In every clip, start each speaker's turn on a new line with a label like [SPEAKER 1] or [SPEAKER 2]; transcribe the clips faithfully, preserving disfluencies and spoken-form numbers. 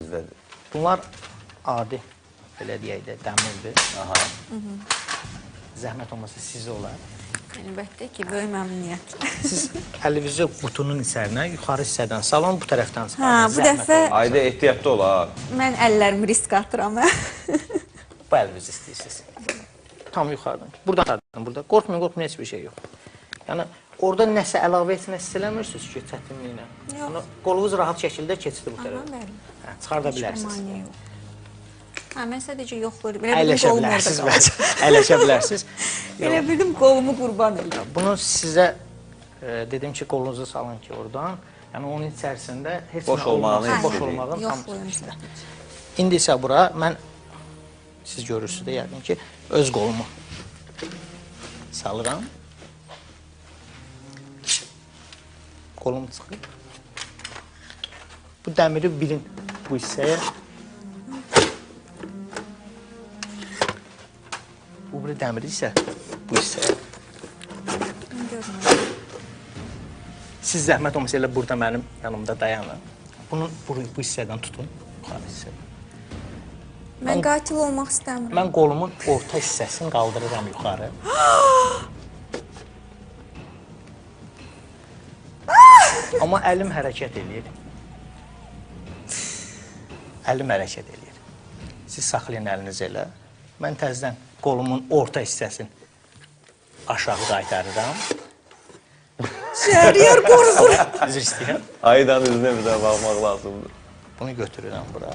[SPEAKER 1] Sizdədir.
[SPEAKER 2] Bunlar adi, belə deyək də, dəmirdir.
[SPEAKER 1] Aha.
[SPEAKER 2] Zəhmət olmasa sizə olar.
[SPEAKER 3] Əlbəttə ki, böyük məmnuniyyətlə.
[SPEAKER 2] Siz əlinizi qutunun içərinə, yuxarı hissədən salon, bu tərəfdən salon.
[SPEAKER 3] Hə, bu dəfə
[SPEAKER 1] Ayda ehtiyatlı olar.
[SPEAKER 3] mən əllərimi risk atıram.
[SPEAKER 2] Bu əlinizi istəyirsiniz. Tam yuxarıdan. Buradan çıxardım, burada. Qorxmayın, qorxmayın, heç bir şey yox. Yəni, orada nəsə əlavə etmək istəmirsiniz ki, çətinliklə.
[SPEAKER 3] Yox.
[SPEAKER 2] Yəni, qolunuz rahat şəkildə keçdi bu
[SPEAKER 3] Aha,
[SPEAKER 2] tərəfə.
[SPEAKER 3] bəli.
[SPEAKER 2] Hə, çıxarda
[SPEAKER 3] Heç bir
[SPEAKER 2] bilərsiniz.
[SPEAKER 3] maniyə yox. Hə, mən sadəcə yoxlayıram. Elə bildim
[SPEAKER 2] Əyləşə
[SPEAKER 3] qolum orada
[SPEAKER 2] bilərsiniz,
[SPEAKER 3] qalır.
[SPEAKER 2] bəs. Əyləşə bilərsiniz.
[SPEAKER 3] Elə bildim qolumu qurban edirəm.
[SPEAKER 2] Bunu sizə e, dedim ki, qolunuzu salın ki, oradan. Yəni, onun içərisində heç
[SPEAKER 1] Boş
[SPEAKER 2] nə
[SPEAKER 1] olmağını
[SPEAKER 2] olmaz, boş
[SPEAKER 1] istəyirik.
[SPEAKER 2] olmağın tam
[SPEAKER 3] Yoxlayın
[SPEAKER 2] üstündə.
[SPEAKER 3] sizə.
[SPEAKER 2] İndi isə bura mən, siz görürsünüz də yəqin ki, öz qolumu salıram. Qolum çıxır. Bu dəmiri bilin bu hissəyə. Bu bir dəmiri isə bu hissəyə.
[SPEAKER 3] Mən görmürəm.
[SPEAKER 2] Siz zəhmət olmasa elə burada mənim yanımda dayanın. Bunu bu, bu hissədən tutun, yuxarı hissədən.
[SPEAKER 3] Mən qatil olmaq istəmirəm.
[SPEAKER 2] Mən qolumun orta hissəsini qaldırıram yuxarı. Amma əlim hərəkət eləyir. Əlim hərəkət eləyir. Siz saxlayın əlinizi elə. Mən təzədən qolumun orta hissəsini aşağı qaytarıram.
[SPEAKER 3] Şəhriyar qorxur.
[SPEAKER 2] Üzr istəyirəm.
[SPEAKER 1] Aydan üzünə bir də baxmaq lazımdır.
[SPEAKER 2] Bunu götürürəm bura.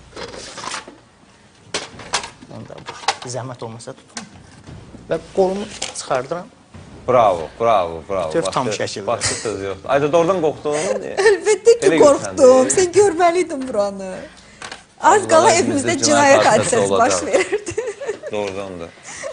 [SPEAKER 2] Onu da bu. Zəhmət olmasa tutun. Və qolumu çıxardıram.
[SPEAKER 1] Bravo, bravo, bravo.
[SPEAKER 2] Töv tam
[SPEAKER 1] Başqa-
[SPEAKER 2] şəkildə.
[SPEAKER 1] Başqa söz yoxdur. Ayda doğrudan qorxdun.
[SPEAKER 3] Əlbəttə ki,
[SPEAKER 1] Elə
[SPEAKER 3] qorxdum.
[SPEAKER 1] görsəndi.
[SPEAKER 3] Sən görməliydin buranı. Az qala
[SPEAKER 1] Vallahi
[SPEAKER 3] evimizdə
[SPEAKER 1] evimizdə
[SPEAKER 3] cinayət
[SPEAKER 1] cinayət hadisəsi
[SPEAKER 3] hadisəsi baş
[SPEAKER 1] olacaq.
[SPEAKER 3] verirdi.
[SPEAKER 1] Doğrudan da.